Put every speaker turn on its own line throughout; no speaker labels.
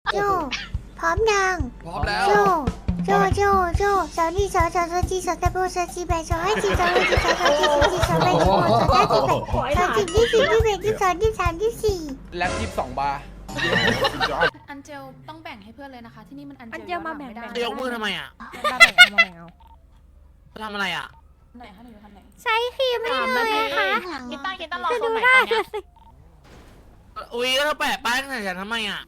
โจพร้อมยัง
พร้อมแล้ว
โจสาวนี่สาวจีสาวตะโบสาวจีแบสาวให้จีสาวให้จีสาวจีสาวแบสาวสาวจีแบสาวจีที่สี่ที่แบที่สองที่สามที่สี่
แล็บ22 บาร์
อันเจลต้องแบ่งให้เพื่อนเลยนะคะ ที่นี่มันอัน
อัน
เจ
เจ
ล
ลมาแบ่ง
ไม่ได้
ๆ
จะยกมือทำไมอ่ะ
มาแบ่งเอามาแบ่งเอา
จะทำอะไรอ่ะ
ไหนคะหนูอยู่คันไหน
ใช้ครีมไม่เลยค่ะ
กีตาร์รอโซนไหนตอนเนี้ย
อุ้ยก็เราแปะป้ายตั้งแต่ฉันทำไมอ่ะ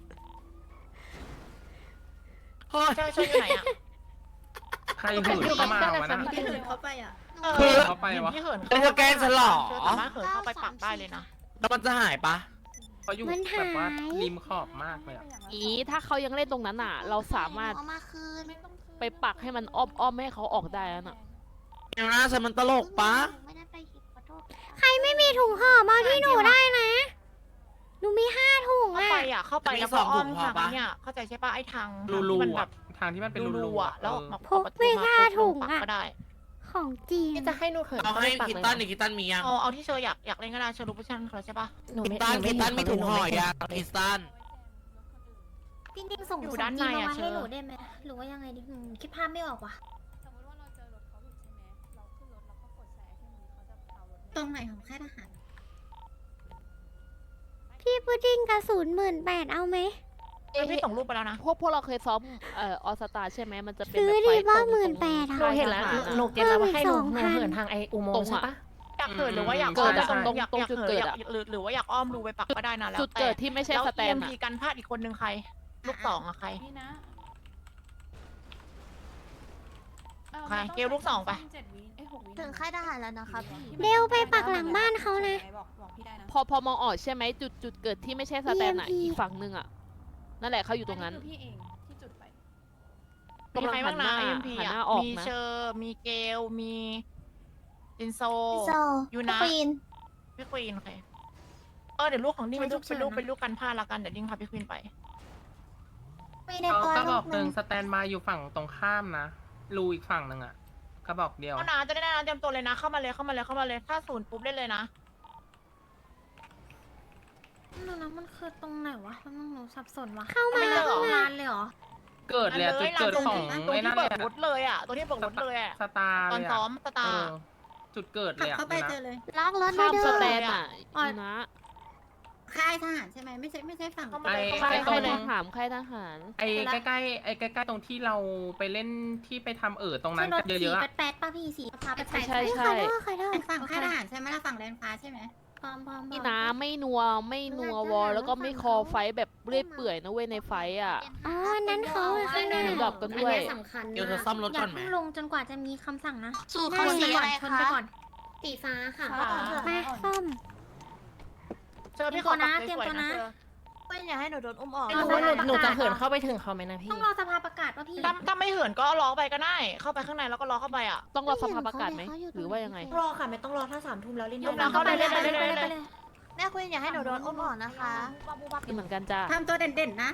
เฮ้ย
ช่วยอยู่ไหนอ่ะ
ใครหื่นเข้ามาวะนะ
ที่เหินเข้าไปอ่ะ
คือ
เข้าไปวะ
ที่เหิน
เป็นสแกนฉลอ
สามารถเหินเข้าไปปักได้เลยนะ
แล้วมันจะหายปะ
เขาอยู่แบบว่าริมขอบมากเลยอ่ะ
อีถ้าเขายังเล่นตรงนั้นอ่ะ เราสามารถ
เอามาคืน
ไม่ต้องคืน
ไปปักให้มันอ้อมไม่ให้เขาออกได้แล้วน่ะ
เดี๋ยวนะฉันมันตลกปะ
ไม่ได้ไปหยิบขอโทษใครไม่มีถุงห่อมาที่หนูได้นะหนูมี5 ถุง
เข้า
อ่ะ
ไปอ่ะเข้าไปแล้วก็อ้อมทางเนี่ยเข้าใจใช่ปะไอ้ทาง
รู
ที่มัน
ๆ
แบ
อ่ะ
บ
ทางที่มันเป็นรู
รู
ๆ
อ่ะ
อ่ะ
แล้วออกมา
พกไป5 ถุง
ปัก
อ่ะ
ก็ได้
ของจริง
จะให้หนูเขิน
เอาให้คิตตันหรือคิตตันมียัง
เอาที่เชออยากเล่นก็ได้เชอรู้ปุ๊บชันเขาใช่ปะ
คิตตันมีถุงห่อยังคิตตัน
จริงๆส่ง
อยู่ด้านในอ่ะเช
ให้
อ
หนูได้ไหมหรือว่ายังไงดิคิดภาพไม่ออกว่ะ
สมมติว่าเราเจอรถเขาหลุดใช่ไหมเราขึ้นรถแล้วก็กดแชร์ที่มือเขาจะเอารถ
ตรงไหนของค่ายทหาร พี่พุดดิ้งกระสุน18,000เอาไหม
พี่ส่งรูปไปแล้วนะ
พวกเราเคยซ้อมออสตาใช่ไหมมันจะเป็น
ซื้อ
แบบ
ดี
ไฟ
ว่า
ตรง
18,000
เราเห็นแล้วหนูเก็ตแล้วว่าให้หนูเหินทางไออุโมงค์ใช่ปะ
อยากเหินหรือว่าอยาก
เกิดอะ
ตรง
ตรง
อยาก
ตรง
อยาก
จุด
เหิ
เกิ
น
ดอะ
หรือว่าอยากอ้อมรูไปปักก็ได้นะแล้ว
จุดเกิดที่ไม่ใช่
แล้ว
สแตน
EMP
อะ
กันพลาดอีกคนนึงใครลูกสองอะใคร
นี่นะ
ใครเกลลูกสองไป
7 วิ6 วิ
ถึงค่ายทหารแล้วนะคะพี่
ที่
เร็วไปปักหลังบ้านเขานะ
บอกพี่ได้นะ
พอมองออกใช่ไหมจุดเกิดที่ไม่ใช่สแตนอะ
EMP
อีกฝั่งนึงอะนั่นแหละเขาอยู่ตรงนั้น
คือพี่เองที่จุดไป
มีใครบ้างนะ EMP
หัน
อ่ะ
หน้าออก
มี
นะ
เชอร์มีเกล มีจินโซ
โซ
ยูนะ
ควีน
พี่ควีนโอเคเดี๋ยวลูกของนี่เป็นลูกเป็นลูกกันพลาดละกันเดี๋ยวดิ้งพาพี่ควีนไป
ไม่ได้
เขา
ตัว
กระ
ลู
บอก
ก
หนึ่งสแตนบายอยู่ฝั่งตรงข้ามนะ รูอีกฝั่งหนึ่งอ่ะกระบอกเดียว
เอานะจะได้นะเตรียมตัวเลยนะเข้ามาเลยถ้าศูนย์ปุ๊บเล่นเลยนะ
นั่นนะมันคือตรงไหนวะมันหนูสับสนวะเข้ามาแล้วงานเลยเหรอ
เกิดเลยอะจุดเกิดของ
ตรง
ไอ้
ที่
นั่น
เปิ
เล
ด
ย
รถเลยอ่ะตัวที่เปิดรถเลยอ่ะ
สตาร์
ตอน
เลย
ซ้อ
อะ
มสตาร์
จุดเกิดเลยอ่ะนะ
ล็อกรถ
ข้าม
เด้
ส
อ
แตนอะอีนะ
ค่ายทหารใช่ไหมไม่ใช่ฝั่ง
เข้ามา
ไอ้
เลย
ค่าย
ไอ้ตร
ค่าย
ง
ทหารค่ายทหาร
ไอ้ใกล้ๆตรงที่เราไปเล่นที่ไปทำตรงนั้น
รถ
เย
สี
อะๆอะ
แปดป่ะพี่สีพาไป
ใช่
ใส่
ใช่
ใครเด้อ
เป็นฝั่งค่ายทหารใช่ไหมล่ะฝั่งแดนฟ้าใช่ไหม
พร้อมๆ
นี่นะไม่นัววอลแล้วก็ไม่คอไฟแบบเรื่อยเปื่อยนะเว้ยในไฟอ่ะ
อ๋ออันนั้นเขาข้างหน้า
หูดับกันด้วย
สำคัญ
เดี๋ยวเธอซ่อมรถ
อย่า
ก่อนไหม
เพิ่งลงจนกว่าจะมีคำสั่งนะ
สูตร
เขา
เขา
สี
สี
ก่อ
อะ
น
ไร
ชน
คะ
ไปก่อนสีฟ้าค่ะมาส้ม
เจอพี่ขอ
เตรียมตัวนะ
เพื่อนอย่าให้หนูโดนอุ้มออก
หนูจะเหินเข้าไป
ถึงเขาไหมนะพี่
ต้องรอสภาประกาศว่าพี่
ถ้าไม่เหินก็ล้อไปก็ได้เข้าไปข้างในแล้วก็ล้อเข้าไปอ่ะ
ต้องรอสภาประกาศไหมหรือว่ายังไง
รอค่ะไม่ต้องรอถ้า3 ทุ่มแล้วเล่น
ยกแล้วเข้าไปเลย
แม่คุณอย่าให้หนูโดนอุ้มออกนะคะ
นี่เหมือนกันจ้า
ทำตัวเด่นๆนะ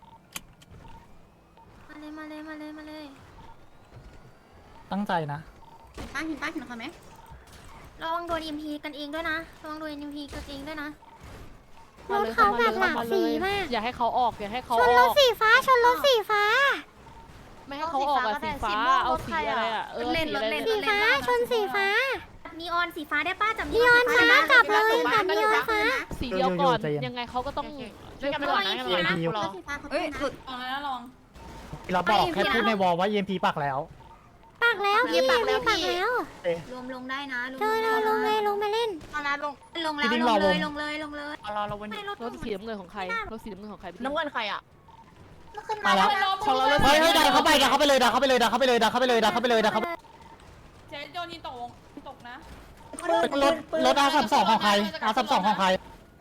มาเลย
ตั้งใจนะ
ป้าเห็นเขาไหม
ระวังโดน EMP กันเองด้วยนะระวังโดน EMP กันเองด้วยนะ
มาเลย
รถเขาแบบหลากสีมาก
อย่าให้เขาออกอย่าให้เขา
ช
อน
ร
อ
ถ
ก
สีฟ้าชนรถสีฟ้า
ไม่ให้เขาออกอะสีฟ้าเอาสีอะไรอะสีอะไร
สีฟ้าชนสีฟ้านีออนสีฟ้าได้ป้าจับนีออนฟ้ากลับเลยจับนีออนฟ้า
สีเดียวก่อน
ใจเย็น
ยังไงเขาก็ต้อง
ช่วยกันไปก่อนนะรอ
สีฟ้าเขา
เอ้ย
นะ
หลุดออกแล้วลอง
เราบอกแค่พูดในวอลว่า EMP ปักแล้ว
ปักแล้วพี่ปักแล้ว
รวมลงได้นะ
เธอลงเลยลงไปเล่น
เอานะลงแล้ว
พี่ดิ้ง
ล
รอง ว
เล
ง
ยลงเลย
รอเราวันนี้
รถสีน้ำเงินของใครรถสีน้ำเงินของใคร
น้ำเงินใครอ่ะ
มาแล้ว
ของเรารถ
เฮ้ยดันเข้าไปดันเข้าไปเลยดันเข้าไปเลยดันเข้าไปเลยดันเข้าไปเลยดันเข้าไปเลยดันเข้าไปเลย
เจ๊โดนยิงตกนะ
รถR32ของใครR32ของใคร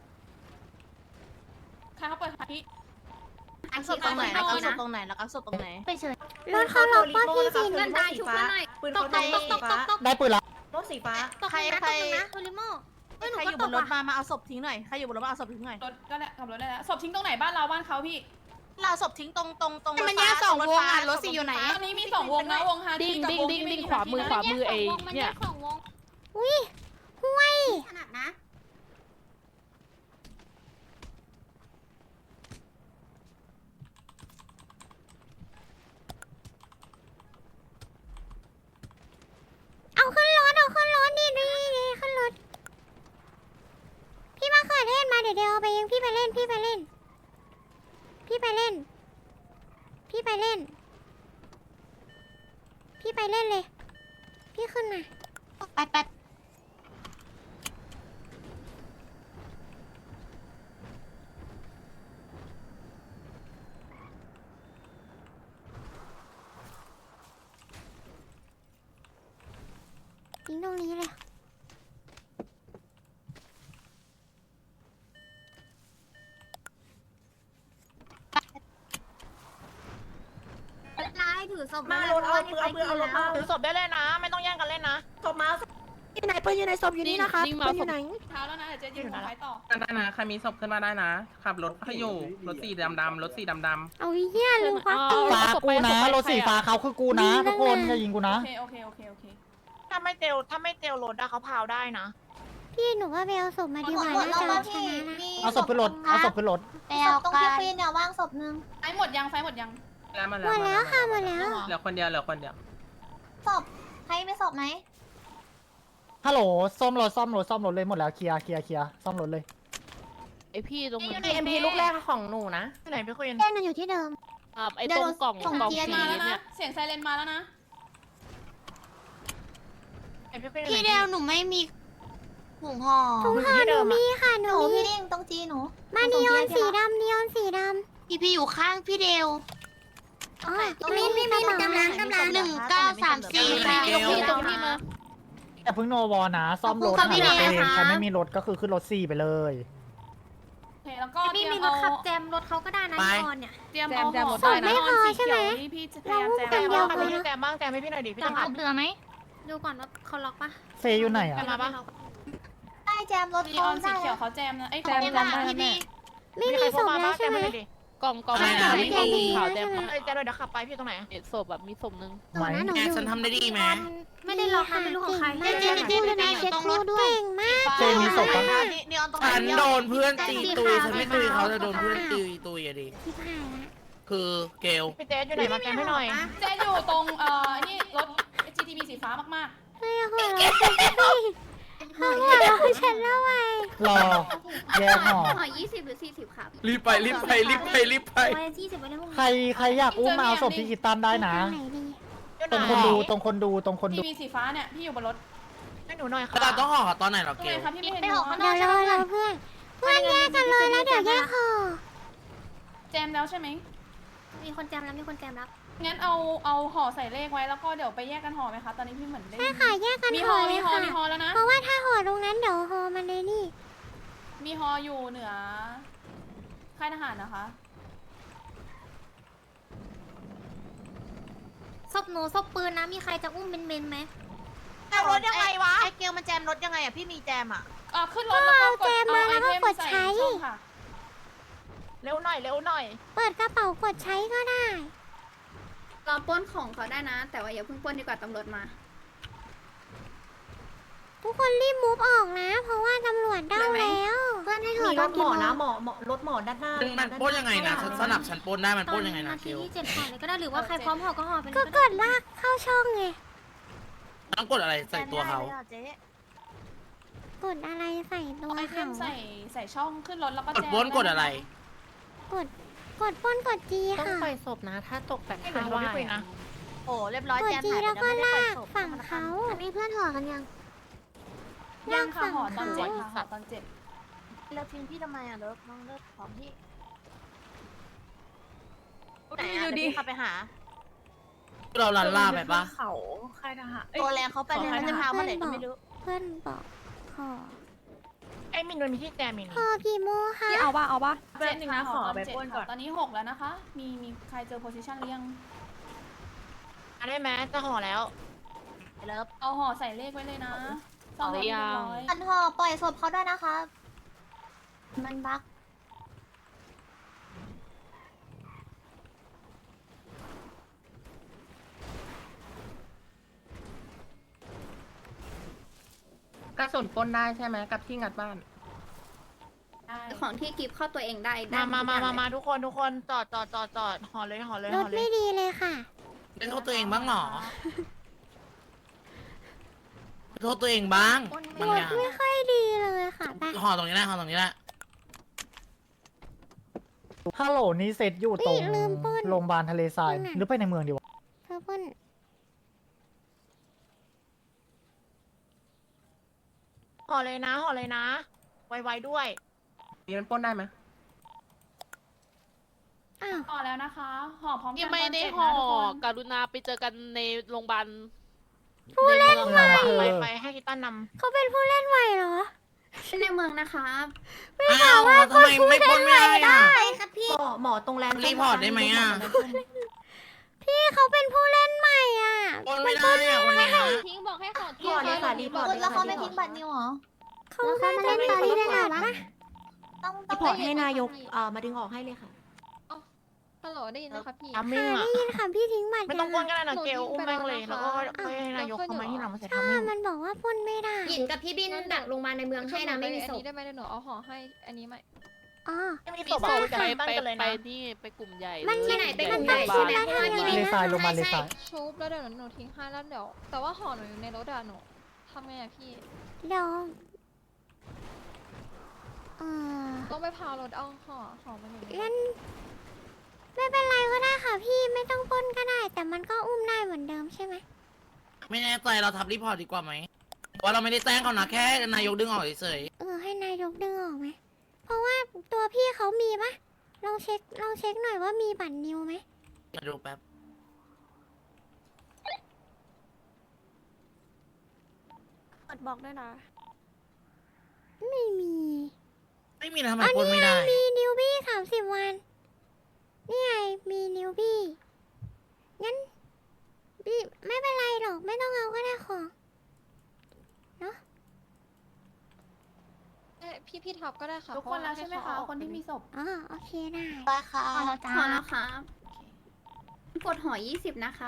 ใครเขาเปิดหาพี่
อักษรตรงไหนแล้วก็ศพตรงไหนแล้วก็ศพตรงไหน
ไปเฉยรถเขาล็อกป้าพี่สี
เงินได้ชุบเงินหน่อยปืนเขาสีฟ้า
ได้ปืนละ
รถสีฟ้า
ใครนะโทริโม่
ใครอยู่บนรถมาเอาศพทิ้งหน่อยใครอยู่บนรถมาเอาศพทิ้งหน่อย
รถก็แหละขับรถได้แล้วศพทิ้งตรงไหนบ้านเราบ้านเขาพี่
เราศพทิ้งตรง
มันแยกสองวงอ่ะรถสีอยู่ไหน
ตอนนี้มี2 วงนะวงฮาร์
ดิ้
ดี้
ง
กับ
ดิ้ง
วง
ดิ้ง
ที่ไม่
ดิ้ง
มี
ขวามือ
ฮร์
ขวา
ดี้
มือไอ้เนี่ย
อุ้ยห่วย
ขนาดนะ
รไปเล่น พี่ไปเล่น พี่ไปเล่นเลย พี่ขึ้นมา
ไป
ทิ้งตรงนี้เลย
ร้ายถือศพ
มาลงเอาปืนเอาปืนเอาลงมาถือศพได้เลยนะ ไม่ต้องแย่งกันเล่นนะศพมา
อยู่ไหนปืนอยู่ในศพอยู่นี่นะคะปืนอยู่ไหน
เท้าแล้วนะเดี๋ยวจะยืนหัวไฟต่อ
ได้นะใครมีศพขึ้นมาได้นะขับรถให้อยู่รถสีดำรถสีดำ
เอาเหี้ยลืมควักปืน
ฟ้ากูนะรถสีฟ้าเขาคือกูนะทุกคนอย่ายิงกูนะ
โอเค
ถ้าไม่เตลรถอะเขาพาวได้นะ
พี่หนูว่าไปเอาศพมาดีกว่าน่าจะชนะนะ
เอาศพขึ้นรถเอาศพขึ้นรถ
ไปเอาตรงที่ปีนเนี่ยว่างศพนึง
ไฟหมดยังไฟหมดยัง
ๆแล้วมา
หมดแล้วค่ะหมดแล้ว
เหลือคนเดียว
ศพใครไม่ศพไหม
ฮัลโหลซ่อมรถเลยหมดแล้วเคลียร์ซ่อมรถเลย
ไอพี่ตรงนั้น
เอ็มพีลูกแรกของหนูนะที่ไหนพี่คุย
แจ้งมันอยู่ที่เดิม
ไอตรงกล่องสี
มาแล้วนะ
เนี่ย
เสียงไซเรนมาแล้วนะ
พี่เดียวหนูไม่มีถุงห่อ
ถุงห่อหนูมีค่ะห
ห
นู
นู
มี
พี่ดิ้งตรงจีหนู
มานีออนสีดำนีออนสีด
พี่อยู่ข้างพี่เดียว
ำอ๋อพี่มีกำลัง
1934ค่ะ
ตรงพี่ตรงพี่มา
แต่เพิ่งโนวอนะซ่อมรถ
ขอบคุณค่ะพี่
เอง
เนยนะคะ
ใครไม่มีรถก็คือขึ้นรถ4ไปเลย
โอเคแล้วก็เตรี
พี่
ยม
มีร
เอา
ถขับแจมรถเขาก็ได้นะ
ไป
นีออนเนี่ย
เตรียมเอาห่อ
ศพไม่พอใช่ไหม
นี่พี่จะพยายามแจม
เรา
แจ
พู
ม
ดกันเดียว
บ้างพี่แจมบ้างแจมให้พี่หน่อยดิพี่ต้องขับ
เหลือไหม
ดูก่อนว่าเขาล็อกปะ
เฟยอยู่ไหนอ่ะ
มาปะ
ได้แจมรถ
นีออนสีเขียวเขาแจมนะไอ้แจม
แจม
ได้
พี่
นะ
พี่
ไม่มีศพแล้วใช่ไหม
กล่อง
ใช่
สี
ค่ะ
ไม่
แจม
มี
ดี
ขาว
แล้ว
แจ
ใช่
ม
ไหม
เอ้ยแจมเลยเดี๋ยวขับไปพี่ตรงไหน
ศพแบบมีศพนึง
ไหม
หนู
แกฉันทำได้ดีไหม
ไม่ได้ล็อกค่ะไม่รู้ของใครเก่งมาก
ตรงรถด้วย
เก่งมาก
เจมีศพปะ
นี่ออนตรง
ฉันโดนเพื่อนตีตุยฉันไม่ตุยเขาจะโดนเพื่อนตีตุยอะดิ
ที่ผ่านละ
คือเกล
พี่เจอยู่ไหนมาแจมให้หน่อย
เจอยู่ตรงนี่รถ GTB สีฟ้ามาก
เฮ้ยหัวเราะฉันสิหัวเราะฉันแล้วไง
รอแยกห่อ
ห่อ20 หรือ 40ครับ
รีบไป
ไว้20ไว้ในพวก
ใครอยากอุ้มมาเอาศพที่คิดตันได้นะ
ไหนดี
ตรงคนดู
ๆ TB สีฟ้าเนี่ยพี่อยู่บนรถ
ให้หนูหน่อยค่ะ
เราต้องห่อตอนไหนเหรอ
ตรง
เก
ไหน
ล
คะพี่ไม่เห็น
ไปออกข้างน
เดี๋
อย ก
วเราเพื่อนแยกกันเลยแล้วเดี๋ยวแยกห่อ
แจมแล้วใช่ไหม
มีคนแจมแล้วมีคนแจมแล้ว
งั้นเอาห่อใส่เลขไว้แล้วก็เดี๋ยวไปแยกกันห่อไหมคะตอนนี้พี่เหมือนได้
ใช่ค่ะแยกกัน
มี
ห่
ห่
อ
อ
เล
มี
ย
ห่อ
ค่ะ
มีห่อแล้วนะ
เพราะว่าถ้าห่อตรงนั้นเดี๋ยวห่อมันเลยนี่
มีห่ออยู่เหนือค่ายทหารนะคะ
ศพหนูศพปืนนะมีใครจะอุ้มเบนไหม
แจมรถยังไงวะไอเกลมันแจมรถยังไงอ่ะพี่มีแจมอ่ะ
ขึ้นรถแล้วก็กดเอาไอเทมใส่ช่องค่ะ
เร็วหน่อยเร็วหน่อย
เปิดกระเป๋ากดใช้ก็ได้
เราปล้นของเขาได้นะ แต่ว่าอย่าเพิ่งปล้นดีกว่าตำรวจมา
ทุกคนรีบมูฟออกนะ เพราะว่าตำรวจเด้าแล้วเพื่อนให้ถอดรถหมอนะหมอ
รถหมอด้านหน้า
มันปล้นยังไงนะฉันสนับฉันปล้นได้มันปล้นยังไงนะเกล
ที่7ห่อเลยก็ได้หรือว่าใครพร้อมห่อก็ห่อไปก็กดลากเข้าช่องไง
ต้องกดอะไรใส่ตัวเขา
กดอะไรใส่ตัว
ไอเท
เขา
มใส่ช่องขึ้นรถแล้วก็
กด
แจม
ปล้นกดอะไร
กดป้นกดจีค่ะ
ให้หนูโทรพี่คุยนะ
โอ้เรียบร้อย
กด
แจม
จี
หาย
แล้วก็
ไม่ได้ปล่
ลา
อย
ก
ศพ
ฝั่งเขาอันนี้เพื่อนห่อกันยัง
ยังค่ะห่อตอน7ค่ะห่อตอน7
เลิฟทิ้งพี่ทำไมอ่ะเลิฟน้องเลิฟของพี่ไหน
ดู
อ่ะ
ดิ
เดี๋ยวพี่ขับไปหา
เราลันล่าไปปะ
เขาค่ายทหาร
ตัวแรงเขาไปเลยมันจะพาเมื่อไหร่ก็ไม่รู้
เพื่อนบอกห่อ
ไอ้มินมันมีที่แจมมิน
ห่อกี่โมงคะ
พี่เอาป่ะแป๊บนึงนะขอไปปล้นก่อนตอนนี้6แล้วนะคะมีใครเจอโพซิชันหรือยัง
ได้ไหมจะห่อแล้ว
เลิฟ
เอาห่อใส่เลขไว้เลยนะซ่อมรถเรียบร้อย
อันห่อปล่อยศพเขาด้วยนะคะ มันบัก
กระสุนปล้นได้ใช่ไหมกับที่งัดบ้าน
ของที่กิฟเข้าตัวเองได้
มาทุกคนจอดห่อเลยห่อเลย
ร
ห่
ถ
อเล
ไม่
ย
ดีเลยค่ะ
เป็นโทษตัวเองบ้างเหรอเป็นโทษตัวเองบ้างบาง
ร
อ
ถ
ย่าง
ไม่ค่อยดีเลยค่ะไป
ห่อตรงนี้แหละห่อตรงนี้แหละ
ฮัลโหลนี่เซตอยู่ตรง
ลืมปล้น
โรงพยาบาลทะเลทราย
ปล้นไหน
หรือไปในเมืองดีวะ
เธอปล้น
ห่อเลยนะห่อเลยนะ ไวๆด้วย
นี่มันปล้นได้ไหม
อ้าว
ห่อแล้วนะคะห่อพร้อมกัน
ยังไม่ได้
ตนเจ็
ห่อ
นะทุกคน
กรุณาไปเจอกันในโรงพยาบาล
ผู้เล่น
ใน
ใหม่
เมือง
ไปให้กีต้าน
เขาเป็นผู้เล่นใหม่เหรอ
ในเมืองนะคะ
อ้าวทำไมไม่ปล้นไม่ได้อะ
ใช่ครับพี่
หมอตรงแลนด์
รีพอร์ตได้ไหมอะ
พี่เขาเป็นผู้เล่นใหม่อ่ะ
ปล้นไม่ได้อะคนเนี้ย
ทิ้งบอกให้ขอ
ห่อเลยค่ะรีพอร์ต
แล้วเขาไม่ทิ้งบัตรนิวเหรอเขาน่าจะเล่นตอนนี้ได้หรอปะต้อง
รีพอร์ตให้นายกมาดึงออกให้เลยค่ะ
ฮัลโหลได้ยินไหมคะพี่
ๆทำมิ่ง
ค่ะ
อ่ะ
ได้ยินค่ะพี่ทิ้งบัตร
ไม่ต้องปล้นก็ได้นะ
หนู
เกล
ทิ้ง
อุ้ม
ไป
แม่งเลย
แล้
แล้ว
ว
ก็
นะคะ
ให้นายกเข้ามาที่หลังมาเสร็จ
ถ้า
ทำมิ่ง
มันบอกว่าปล้นไม่ได้
หยินกับพี่บินดักโรงพยาบาลในเมืองให้นะไม่มีศ
อัน
พ
นี้ได้ไหมเดี๋ยวหนูเอาห่อให้อันนี้ไหม
อ๋อ
ไม่มี
มี
ศพ
ศ
อ่ะ
พ
คุยกับ
ไป
กีต้าน
ไป
กันเลย
ไป
นะ
นี่ไปกลุ่มใหญ่
มัน
เลย
ที่ไหนไป
ให
ก
ญ่
ลุ่มใหญ่
โรงพ
ใช่
ยา
ไหม
บาล
เพราะว่าที่
ทะเลทรายโรงพยาบาลทะเลทราย
ชุบแล้วเดี๋ยวหนูทิ้งให้แล้วเดี๋ยวแต่ว่าห่อหนูอยู่ในรถอะหนูทำไงอะพี่
เดี๋ยว
ต้องไปพารถเอาห่อมันอยู่ในร
เล่
ถ
นไม่เป็นไรก็ได้ค่ะพี่ไม่ต้องปล้นก็ได้ แต่มันก็อุ้มได้เหมือนเดิมใช่ไหม
ไม่แน่ใจเราทำรีพอร์ตดีกว่าไหมว่าเราไม่ได้แจ้งเขานะแค่นายกดึงออกเฉย
ให้นายกดึงออกไหมเพราะว่าตัวพี่เขามีปะลองเช็คหน่อยว่ามีบัตรนิวไหม
ๆมาดูแป๊บ
บอกด้วยนะ
ไม่มี
ไม่มีนะทำไมปล้นไม่ได้
มีนิวบี้30 วัน นี่ไง มีนิวบี้ งั้นพี่ไม่เป็นไรหรอก ไม่ต้องเอาก็ได้ของ
พี่ท็อปก็ได้ค่ะ
ทุกคนแล้วใช่ไหมคะคนที่มีศพ
อ๋อ โอเคได้
ไปค่ะ
ห่อแล้วครับกดห่อ20นะครับ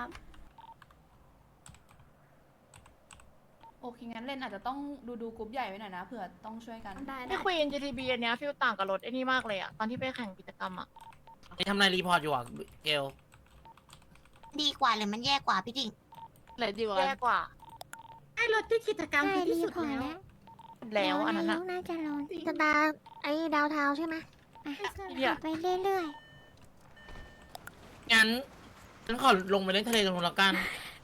โอเคงั้นเล่นอาจจะต้องดูกรุ๊ปใหญ่ไว้หน่อยนะเผื่อต้องช่วยกัน
ได้
ที่คุย NGTB อันเนี้ยฟิลต่างกับรถไอ้นี่มากเลยอ่ะ ตอนที่ไปแข่งกิจกรรมอ่ะ
นี่ทำนายรีพอร์ตอยู่อ่ะเกล
ดีกว่าหรือมันแย่กว่าพี่ดิ่ง
ไหนดีกว่า
แย่กว่า
ไอ้รถที่กิจกรรม
ใช่
คือ
รี
ที่สุด
พอร์ต
แล้ว
แล้ว
แล้วอันนั้น
นา
อ่ะ
ยกน่าจะลง
จริง
สตาร์ไอ้ดาวเทาใช่ไหม
เหี้ย
ไปเรื่อย
งั้นฉันขอลงไปเล่นทะเลตรงนู้นละกัน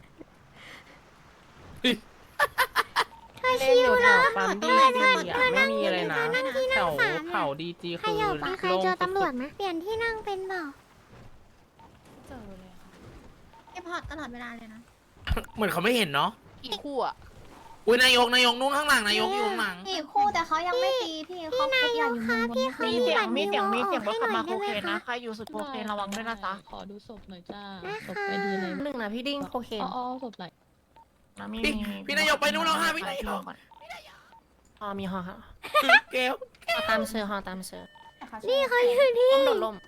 ๆ เธอ
เล่น
ชิ
อ
ว
ยู่แถ
เหรอ
วปั๊มดีจีอ่ะไม่มีอะไรนะแถวเขาดีจี
ใคร
คือ
อยากไปใคร
โล่ง
เจอ
สุ
ตำรวจ
ด
ไหมเปลี่ยนที่นั่งเป็นเปล่า
เจอเลยค่ะ
ไอพอร์ตตลอดเวลาเลยนะ
เหมือนเขาไม่เห็นเนาะ
กี่คู่อะ
อุ้ยนายกนู่นข้างหลังนายกอยู่ข้างหลัง
กี่คู่แต่เขายังไม่ตีพี่เขาคุกอย่างอยู่มุมบน
เขา
มีเสียง
มี
มี
บัตร
เสียง
นิว
รถขับมา
ออกให้หน่อยได้ไหม
โคเคนนะ
คะ
ใครอยู่สุดโคเคนระวังด้วยนะจ๊ะ
ขอดูศพหน่อยจ้า
ได้
ศพ
ค่ะ
ไอดีเลย
หนึ่งนะพี่ดิ้งโคเคน
อ๋อศพไหน
นะมี
พี่นายกไปนู่นแล้วค่ะพี่นายก
ห่อมีห่อค่ะ
เกล
ห่อตามเชือห่อตามเชือ
นี่เขาอยู่ที่
ต้มโดดลม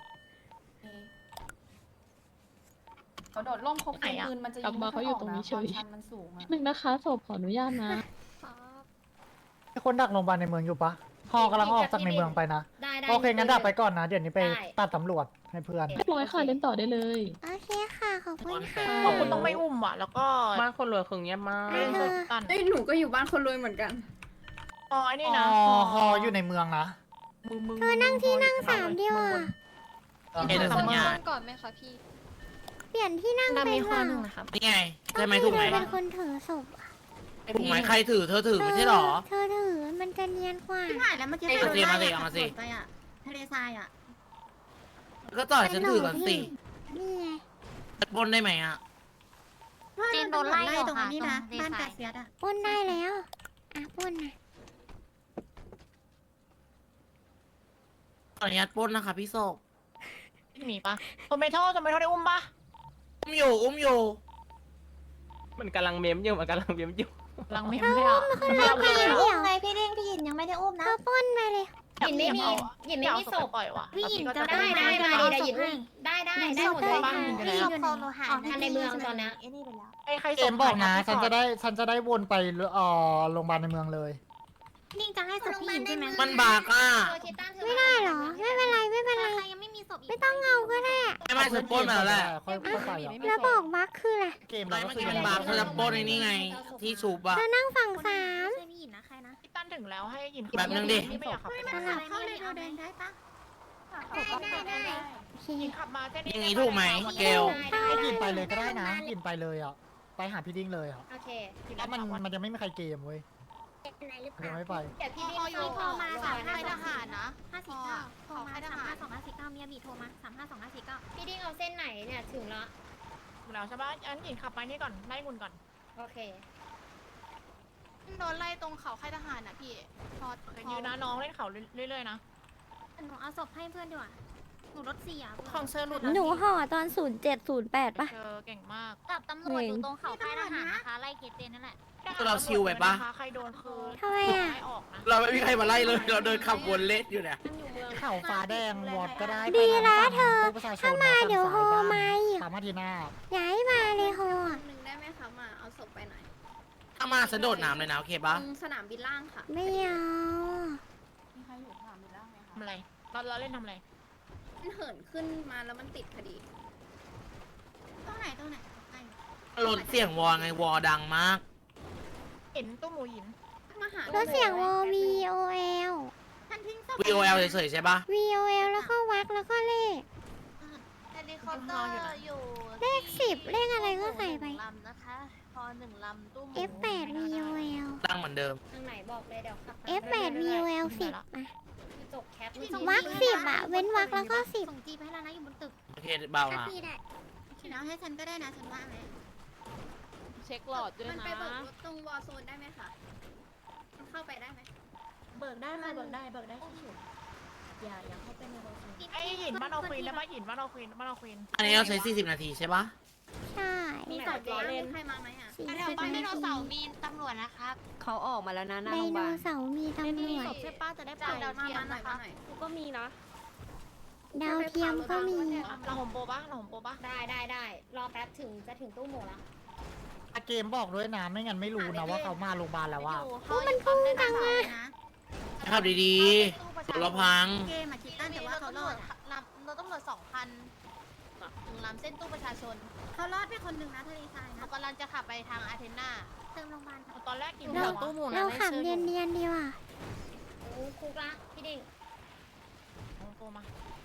เขาโดดร่มเขาปืนมันจะ
กลับมาเขาอยู่ตรงนี้เฉย
ชันมันสูงอะ
หนึ่งนะคะศพขออนุญาตนะ
มีคนดักโรงพยาบาลในเมืองอยู่ปะพอกำลังออกจากในเมืองไปนะ
ได้
โอเคงั้นดักไปก่อนนะ เดี๋ยวนี้ไป
ได้
ตัดตำรวจให้เพื่อน
เรียบร้อยค่ะเล่นต่อได้เลย
โอเคค่ะ ขอบคุณค่ะ
ขอบคุณต้องไม่อุ้มอ่ะ แล้วก็
บ้านคนรวยคือเงียบมาก
เล่นสุดตัน
เอ้ยหนูก็อยู่บ้านคนรวยเหมือนกัน
อ๋อไอ้นี่
อ๋
นะ
อฮออยู่ในเมืองนะ
เธอนั่งที่นั่ง3เดียวอ่ะ
เห็นแต่สัญญาณ
ก่อนไหมคะพี่
เปลี่ยนที่นั่ง
ดา
เป็
มี
น
ห่อ
ว่า
หนึ่งนะครับ
นี่ไงใช่ไหมถูกไหม
เธอเป็นคนถือศพอะ
ถูกไหมใครถือเธอถือไม่ใช่หรอ
เธอถือมันจะเนียนกว่า
ที่ผ่านแล้วเมื่อกี้
เอาสิมาสิเอามาสิ
ไปอะทะเลทรายอะ
ก็ต่อยฉันถือกันสิ
นี่ไง
ปล้นได้ไหมอ่ะ
จีนโดนไล่ตรงนี้นะบ้านกาเซียดอะ
ปล้นได้แล้ว อ่ะปล้นนะ
ขออนุญาตปล้นนะคะพี่โศก
หนีปะโทเมโต้ได้อุ้มปะ
อุ้มอยู่
มันกำลังเมมอยู่มันกำลังเมมอยู่
ลังเมมเลยอ่ะ
ไม่เดี๋ยว
ไงพี่เด้งพี่หยินยังไม่ได้อุ้มนะ
เธอปล้นไปเลย
หยินไม่มีหยินไม่มีศพ
ปล่อยว่ะ
พี่หยินจะ
ได้
ได้
ได้
ได้หยินได้หมดเลย
บ้านหยินไปแล้ว
ศพหาทันในเมืองตอนนี้ไอ้นี่ไปแล้ว
ไอ้ใคร
เกมบอกนะ ฉันจะได้วนไปโรงพยาบาลในเมืองเลย
นี่จะให้ศพพี่หยินใช่ไหม
มันบากอ่ะ
ไม่ได้เหรอ ไม่เป็นไรไม่เป็นไร
ใครยังไม่มีศพอีก
ไม่ต้องเอาก็ได้
ไม่ฉันปล้นมาแล้วแหละ
ค่อยไปอ่ะ
แล้วบอกบั๊กคืออะไร
เกม
ไม่
เราก็
เมื่อ
คือ
กี้มันบากเธอจะปล้นไอ้นี่ไง ที่ชูบอ่ะ
เธอนั่งฝั่ง3
ช่วยพี่หยินนะใครนะ
พี่ตั้นถึงแล้วให้หยิน
แบบนึงดิ
ไม่อยากขับไป
สลับ
เข้าเลยเราเดินได้ปะ
ยิงขับมาเส้น
อย่างนี้ถูกไหมเกล
ก็ยินไปเลยก็ได้นะยินไปเลยอ่ะไปหาพี่ดิ้งเลยอ่ะ
โอเค
ถ้ามันยังไม่มีใครเกมเว้ย
เป็นไรหรือเป
ยัง
ล่า
ไม่ไป
เดี๋ยวพี่ดิ้งโทรมา3525นะ549โทรมา352549เมียบีโทรมา352549พี่ดิ้งเอาเส้นไหนเนี่ยถึงละ
แล้วใช่ปะอันหญิงขับไปนี่ก่อนไล่มุนก่อน
โอเค
โดนไล่ตรงเขาค่ายทหารนะพี่พอ
ยืนนะน้องเล่นเขาเรื่อยๆนะ
หนูเอาศพให้เพื่อนดีกว่าหนูรถเสีย
ของเชอร์หลุด
หนูห่อตอน0708ป่ะ
เชอร์เก่งมาก
กับตำรวจอยู่ตรงเขาค่ายทหารนะคะไล่เกตเตนนั่นแหละ
เราชิวไปปะ
ใครโดนคือ
ทำไมอ่ะ
ไล่ออกนะ
เราไม่มีใครมาไล่เลย เราเดินขับวนเล่นอยู่เนี่ย
เข่าฟ้าแดงวอดก็ได้
ดีนะเธอ
ถ้ามา
เดี๋ยวโฮมาอีก
สามารถทีหน้า
ย้ายมาเลยโฮ
หนึ่งได้ไหมคะมาเอาศพไปหน่อย
ถ้ามาสะโดดน้ำเลยนะโอเคปะ
ตรงสนามบินล่างค่ะ
ไม่เอา
มีใครอยู่ถามมีร่างไหมคะ
ทำอะไรเราเล่นทำอะไร
มันเหินขึ้นมาแล้วมันติดพอดี
ตรงไหนใกล้
รถเสียงวอไงวอดังมาก
เห็นตู้หมูหิน
มาหาร
ถเสียงวอ VOL
ท่านทิ้งศพ
VOL เฉยๆใช่ปะ
VOL แล้วก็วักแล้วก็เลข
เฮลิคอปเตอร์อยู่
เลข10เลขอะไรก็ใส่ไป
ลำนะคะพอ1 ลำตู้หมู
F8 VOL
ดังเหมือนเดิม
ทางไหนบอกเลยเดี๋ยวขับ
F8 VOL 10อ่ะ
จบแคป
วัก10อ่ะ เว้นวักแล้วก็10ส่งจีไปให้แล้วนะอยู่บนตึก
โอเคเบาละ
พี่ได้แล้วให้ฉันก็ได้นะฉันว่าไหม
เช็คหลอดด้วย
มัน
นะ
ไปเบิกรถตรงวอลโซนได้ไหมคะมันเข้าไปได้ไหม
เบิกได้ค่ะเบิกได้ชิวๆอย่าเข้าไปในโรงงาน
ไอ้หินบ้านเอาควีนแล้วบ้านหินบ้านเอาควีนบ้านเอาควีน
อันนี้เราใช้40 นาทีใช่ปะ
ใช่
มีศพล้อเล่นใครมาไหมอ่ะ
4
แถวบ้านไดโนเสาร์มีตำรวจนะครับ
เขาออกมาแล้วนะหน้า
ได
โรงพยา
โน
บาล
เสาร์มีตำรวจ
ใช่ป้าจะได้
จ่า
เปิ
ย
ดดาว
มา
เทียม
หน่อย
นะคะ
มาหน่อย
ก็มีนะ
ดาวเทียมก็มี
เราหอมโปปะเราหอมโปปะ
ได้รอแป๊บถึงจะถึงตู้หมูแล้ว
เกมบอกด้วยนะไม่งั้นไม่รู้นะว่าเขามาโรงพยาบาลแล้วว่า
มันพุ่งจังเลย
ขับดีๆรถเราพัง
เกมอะคิดตั้งแต่ว่าเขารอดเราตำรวจ2,000 1 ลำเส้นตู้ประชาชน
เขารอดไปคนหนึ่งนะทะเลทรายนะ
เรากำลังจะขับไปทางอาเทนา
เติมโรงพยาบาล
ตอนแรกกิน
เรา
ตู้หมู
เราขับเนียนดีว่ะ
โอ้คุกละพี่ดิ่ง
โปมา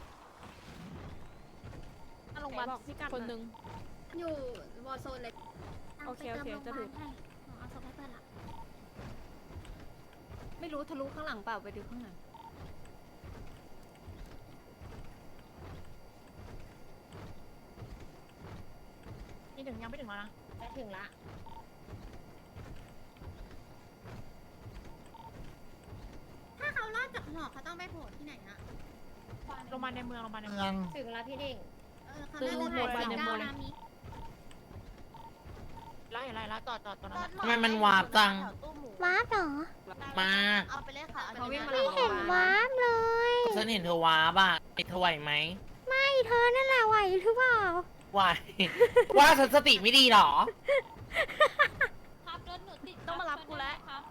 หน้าโรงพยาบาลคนหนึ่ง
อยู่วอลโซนเลย
โอเคจะถูก
เอาศพให้เพื่อนละ
ไม่รู้ทะลุข้างหลังเปล่าไปดูข้างหลัง
นี่ถึงยังไม่ถึงแล้วนะ
จะถึงละ
ถ้าเขารอดจากหอเขาต้องไปโผล่ที่ไหนอะ
โรงพยาบาลในเมืองโรงพยาบาลใน
เมื
เมื
อ
อง ง
ถึงละพี่ดิ่ง
เขา
ซื้อ
น่าจะ
หมดไปในหมด
นามิ
ไล่จอดตรงนั้น
ทำไมมันวาบจัง
วาร์ปเหรอ
มาก
เอาไปเลยค่ะ
เขาวิ่งมา
ไม่เห็นวาร์ปเลย
ฉันเห็นเธอว้าบ้ะไอ้เธอไหวไหม
ไม่เธอนั่นแหละไหวหรือเปล่า
ไหว ว่าฉันสติไม่ดีเหรอ
ครับรถหนูติด
ต้องมารับกูแล้ว
ครับ